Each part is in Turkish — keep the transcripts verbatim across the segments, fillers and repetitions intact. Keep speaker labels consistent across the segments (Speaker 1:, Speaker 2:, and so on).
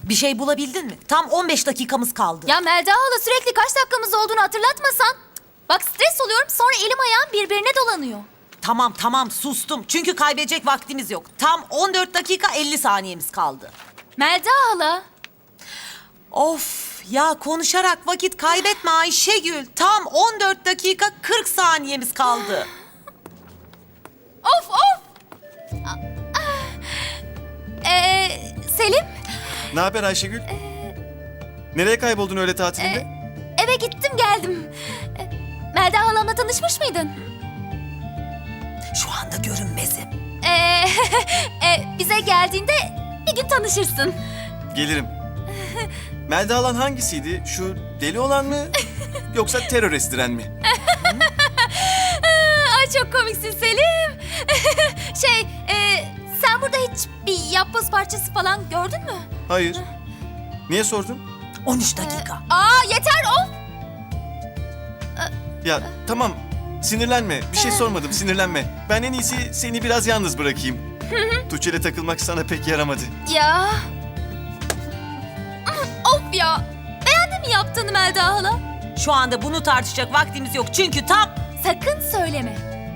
Speaker 1: Bir şey bulabildin mi? Tam on beş dakikamız kaldı.
Speaker 2: Ya Melda hala sürekli kaç dakikamız olduğunu hatırlatmasan. Bak stres oluyorum sonra elim ayağım birbirine dolanıyor.
Speaker 1: Tamam tamam sustum. Çünkü kaybedecek vaktimiz yok. Tam on dört dakika elli saniyemiz kaldı.
Speaker 2: Melda hala.
Speaker 1: Of ya, konuşarak vakit kaybetme Ayşegül. Tam on dört dakika kırk saniyemiz kaldı.
Speaker 2: Of of. Ee, Selim.
Speaker 3: Ne haber Ayşegül? Nereye kayboldun öyle tatilinde?
Speaker 2: Eve gittim geldim. Ee, Melda halamla tanışmış mıydın?
Speaker 1: Şu anda görünmezim.
Speaker 2: Ee, e, bize geldiğinde bir gün tanışırsın.
Speaker 3: Gelirim. Melda Alan hangisiydi? Şu deli olan mı? Yoksa terör estiren mi?
Speaker 2: Ay çok komiksin Selim. şey, e, sen burada hiç bir yapboz parçası falan gördün mü?
Speaker 3: Hayır. Niye sordun?
Speaker 1: on üç dakika.
Speaker 2: Aa yeter of.
Speaker 3: Ya tamam. Sinirlenme. Bir şey sormadım. Sinirlenme. Ben en iyisi seni biraz yalnız bırakayım. Tuğçe'yle takılmak sana pek yaramadı.
Speaker 2: Ya. Of ya. Beğendin mi yaptığını Melda hala?
Speaker 1: Şu anda bunu tartışacak vaktimiz yok. Çünkü tam...
Speaker 2: Sakın söyleme.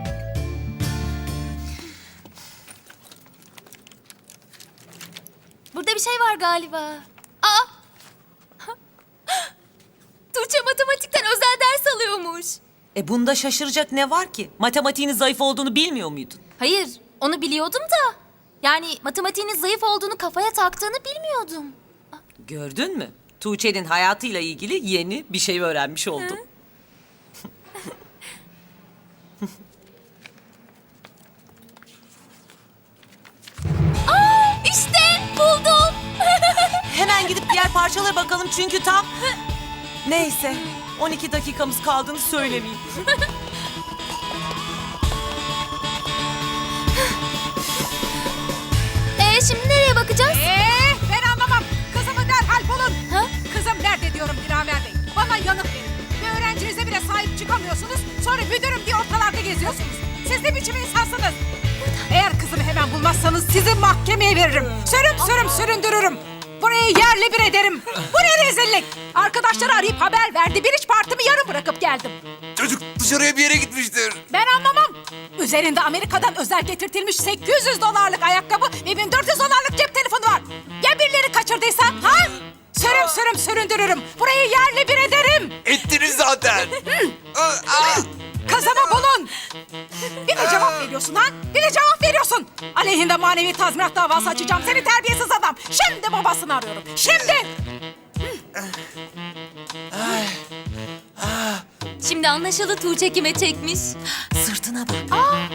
Speaker 2: Burada bir şey var galiba. Aa! Tuğçe matematikten özel ders alıyormuş.
Speaker 1: E bunda şaşıracak ne var ki? Matematiğinin zayıf olduğunu bilmiyor muydun?
Speaker 2: Hayır, onu biliyordum da. Yani matematiğinin zayıf olduğunu kafaya taktığını bilmiyordum.
Speaker 1: Gördün mü? Tuğçe'nin hayatıyla ilgili yeni bir şey öğrenmiş oldum.
Speaker 2: Aa, işte buldum.
Speaker 1: Hemen gidip diğer parçalara bakalım çünkü tam... Neyse, on iki dakikamız kaldığını söylemeyeyim.
Speaker 2: Ee, şimdi nereye bakacağız?
Speaker 4: Ee, ben anlamam. Kızımı derhal bulun.
Speaker 2: Ha?
Speaker 4: Kızım nerede diyorum Dilaver Bey. Bana yanıt verin. Bir öğrencinize bile sahip çıkamıyorsunuz. Sonra müdürüm diye ortalarda geziyorsunuz. Siz ne biçim insansınız? Eğer kızımı hemen bulmazsanız sizi mahkemeye veririm. Sürüm sürüm süründürürüm. Burayı yerle bir ederim. Bu ne rezillik? Arkadaşları arayıp haber verdi. Bir iç partimi yarım bırakıp geldim.
Speaker 5: Çocuk dışarıya bir yere gitmiştir.
Speaker 4: Ben anlamam. Üzerinde Amerika'dan özel getirtilmiş sekiz yüz dolarlık ayakkabı ve bin dört yüz dolarlık cep telefonu var. Ya birileri kaçırdıysa? Ha? Sürüm sürüm süründürürüm. Burayı yerle bir ederim.
Speaker 5: Ettiniz zaten. Aa, aa.
Speaker 4: Kızımı bulun. Bir de cevap veriyorsun ha? Bir de cevap veriyorsun. Aleyhinde manevi tazminat davası açacağım. Seni terbiyesiz adam. Şimdi babasını arıyorum. Şimdi.
Speaker 2: Şimdi anlaşıldı Tuğçe kime çekmiş.
Speaker 1: Sırtına bak.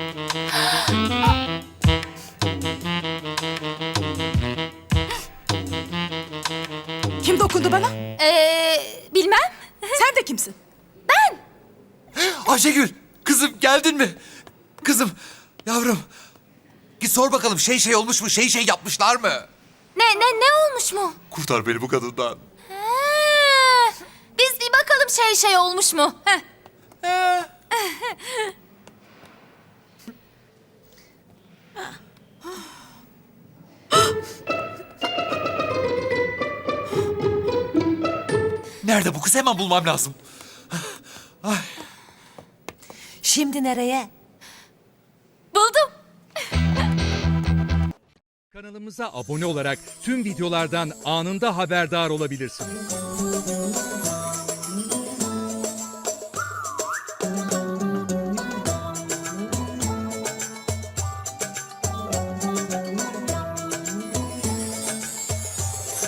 Speaker 4: Kim dokundu bana?
Speaker 2: Ee, bilmem.
Speaker 4: Sen de kimsin?
Speaker 5: Ayşegül, kızım geldin mi? Kızım, yavrum. Git sor bakalım şey şey olmuş mu? Şey şey yapmışlar mı?
Speaker 2: Ne ne ne olmuş mu?
Speaker 5: Kurtar beni bu kadından.
Speaker 2: Ha, biz bir bakalım şey şey olmuş mu? Heh.
Speaker 5: Nerede bu kız? Hemen bulmam lazım.
Speaker 1: Şimdi nereye?
Speaker 2: Buldum.
Speaker 6: Kanalımıza abone olarak tüm videolardan anında haberdar olabilirsiniz.